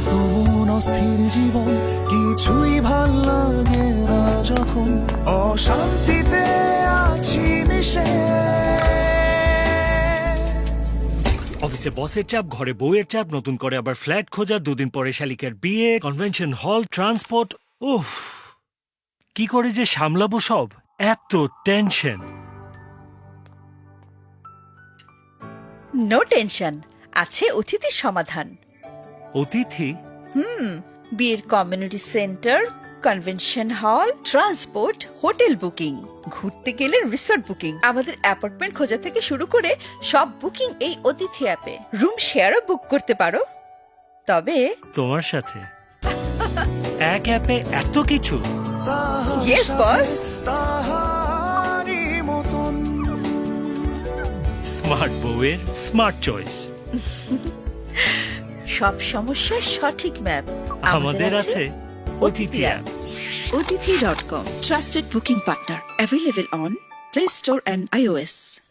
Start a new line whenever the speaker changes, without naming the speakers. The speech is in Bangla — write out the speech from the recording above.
মন অস্থির জীবন কিছুই ভাল লাগে না যখন অশান্তিতে আছি মিশে।
অফিসে বসের চাপ, ঘরে বউয়ের চাপ, নতুন করে আবার ফ্ল্যাট খোঁজা, দুদিন পরে শালিকার বিয়ে, কনভেনশন হল, ট্রান্সপোর্ট। উফ, কি করে যে সামলাবো সব, এত টেনশন।
নো টেনশন, আছে অতিথির সমাধান।
অতিথি?
বিয়ের community centre, convention hall, transport, hotel booking, ঘুরতে গেলে রিসোর্ট বুকিং, আমাদের অ্যাপার্টমেন্ট খোঁজা থেকে শুরু করে সব বুকিং এই অতিথি অ্যাপে। রুম শেয়ারও বুক করতে পারো। তবে
তোমার সাথে এক অ্যাপে এত কিছু?
Yes boss.
তাহারি মতন
স্মার্ট বউয়ের স্মার্ট চয়েস।
সব সমস্যার সঠিক ম্যাপ
আমাদের আছে Odithi app.
Odithi.com, trusted booking partner, available on Play Store and iOS.